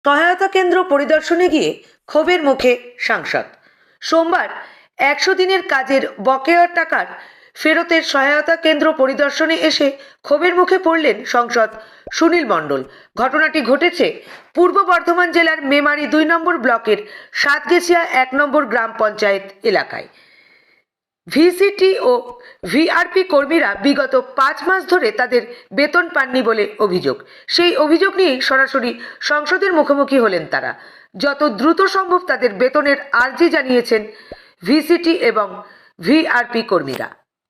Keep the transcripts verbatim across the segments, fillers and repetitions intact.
সহায়তা কেন্দ্র পরিদর্শনে গিয়ে ক্ষোভের মুখে সাংসদ। সোমবার একশো দিনের কাজের বকেয়া টাকার ফেরতের সহায়তা কেন্দ্র পরিদর্শনে এসে ক্ষোভের মুখে পড়লেন সাংসদ সুনীল মণ্ডল। ঘটনাটি ঘটেছে পূর্ব বর্ধমান জেলার মেমারি দুই নম্বর ব্লকের সাতগেছিয়া এক নম্বর গ্রাম পঞ্চায়েত এলাকায়। ভিসিটি ও ভিআরপি কর্মীরা বিগত পাঁচ মাস ধরে তাদের বেতন পাননি বলে অভিযোগ। সেই অভিযোগ নিয়ে সরাসরি সংসদের মুখোমুখি হলেন তারা। যত দ্রুত সম্ভব তাদের বেতনের আর্জি জানিয়েছেন ভিসিটি এবং ভিআরপি কর্মীরা।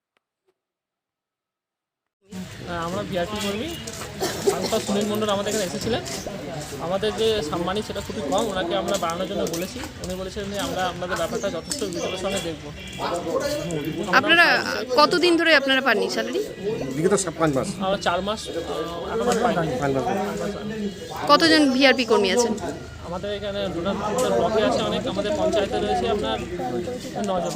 আমরা ভিআরপি কর্মী সাংসদ সুনীল মণ্ডল আমাদের এখানে এসেছিলেন। আমাদের যে সম্মানী সেটা খুবই কম, ওনাকে আমরা বাড়ানোর জন্য বলেছি। উনি বলেছেন যে আমরা আপনাদের ব্যাপারটা যথেষ্ট বিবেচনার সঙ্গে দেখব। আপনারা কতদিন ধরে আপনারা পাননি স্যালারি? বিগত পাঁচ মাস। আমরা চার মাস এখনো পাইনি। কতজন ভিআরপি কর্মী আছেন? আমাদের এখানে আমাদের ব্লকে আছে অনেক, আমাদের পঞ্চায়েতে রয়েছে আপনার নজন।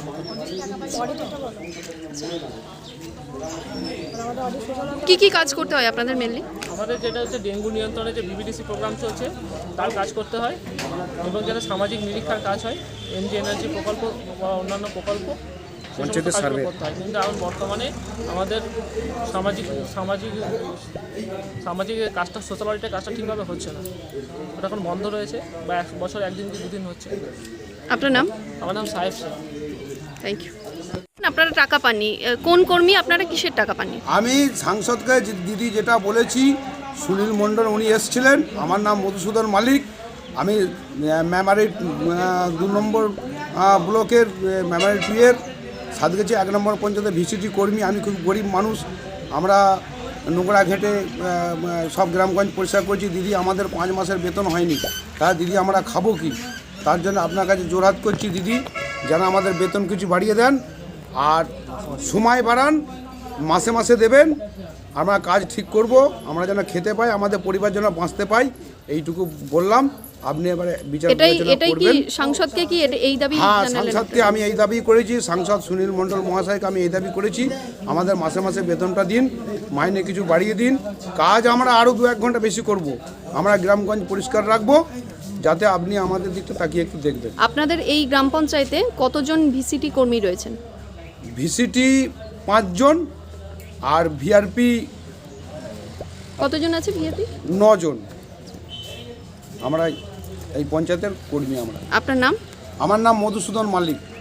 কি কি কাজ করতে হয় আপনাদের মেনলি? আমাদের যেটা হচ্ছে ডেঙ্গু নিয়ন্ত্রণে যে বিবিডিসি প্রোগ্রাম চলছে তার কাজ করতে হয়, এবং যেটা সামাজিক নিরীক্ষার কাজ হয়, এনজি এনার্জি প্রকল্প বা অন্যান্য প্রকল্প পঞ্চায়েতের সার্ভে করতে হয়। কিন্তু এখন বর্তমানে আমাদের সামাজিক সামাজিক সামাজিক কাজটা সোশ্যাল অডিটের কাজটা ঠিকভাবে হচ্ছে না, ওটা এখন বন্ধ রয়েছে বা এক বছর একদিন কি দুদিন হচ্ছে। আপনার নাম? আমার নাম সাহেব শেখ। Thank you. আপনারা টাকা পাননি, কোন কর্মী আপনারা কিসের টাকা পাননি? আমি সাংসদকে দিদি যেটা বলেছি, সুনীল মণ্ডল উনি এসেছিলেন। আমার নাম মধুসূদন মালিক। আমি মেমারি দু নম্বর ব্লকের মেমারি টুয়ের সাতগেছি এক নম্বর পঞ্চায়েতের ভিসিটি কর্মী। আমি খুব গরিব মানুষ, আমরা নোংরা ঘেঁটে সব গ্রামগঞ্জ পরিষ্কার করছি। দিদি আমাদের পাঁচ মাসের বেতন হয়নি, তা দিদি আমরা খাবো কি? তার জন্য আপনার কাছে জোরহাত করছি দিদি, যেন আমাদের বেতন কিছু বাড়িয়ে দেন আর সময় বাড়ান, মাসে মাসে দেবেন। আমরা কাজ ঠিক করব, আমরা যেন খেতে পাই, আমাদের পরিবার যেন বাঁচতে পাই, এইটুকু বললাম। আপনি এবারে বিচার বিবেচনা করবেন। সাংসদকে কি এই দাবি? হ্যাঁ, সাংসদকে আমি এই দাবি করেছি, সাংসদ সুনীল মণ্ডল মহাশয়কে আমি এই দাবি করেছি, আমাদের মাসে মাসে বেতনটা দিন, মাইনে কিছু বাড়িয়ে দিন। কাজ আমরা আরও দু এক ঘন্টা বেশি করব, আমরা গ্রামগঞ্জ পরিষ্কার রাখবো, যাতে আপনি আমাদের দিকটা তাকিয়ে একটু দেখবেন। আপনাদের এই গ্রাম পঞ্চায়েতে কতজন ভিসিটি কর্মী রয়েছেন? ভিসিটি পাঁচজন আর ভিআরপি কতজন আছে? ভিআরপি নজন। আমরা এই পঞ্চায়েতের কর্মী। আমরা আপনার নাম? আমার নাম মধুসূদন মালিক।